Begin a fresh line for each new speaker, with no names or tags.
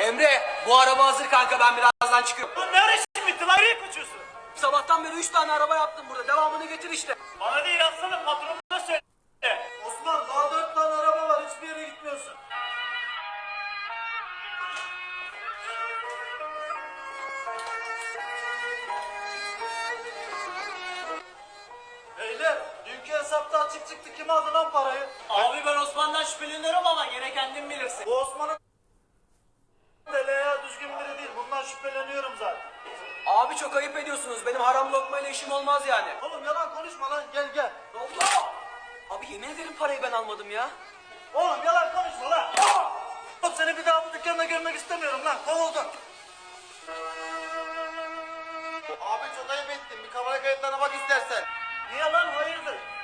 Emre, bu araba hazır kanka, ben birazdan çıkıyorum.
Lan ne ara işin bitti lan? Nereye kaçıyorsun?
Sabahtan beri 3 tane araba yaptım burada, devamını getir işte.
Bana değil aslında patronuna söyle.
Osman daha 4 tane araba var, hiçbir yere gitmiyorsun. Beyler, dünkü hesapta açık çıktı, kim aldı lan parayı?
Abi ben Osman'dan şüpheleniyorum ama gene kendin bilirsin.
Bu Osman'ın ya düzgün biri değil, bundan şüpheleniyorum zaten.
Abi çok ayıp ediyorsunuz, benim haram lokmayla işim olmaz yani.
Oğlum yalan konuşma lan, gel gel.
Ne oldu? Abi yemin ederim parayı ben almadım ya.
Oğlum yalan konuşma lan. Oğlum seni bir daha bu dükkanda görmek istemiyorum lan, kovuldun.
Abi çok ayıp ettin. Bir kamera kayıtlarına bak istersen.
Niye lan, hayırdır?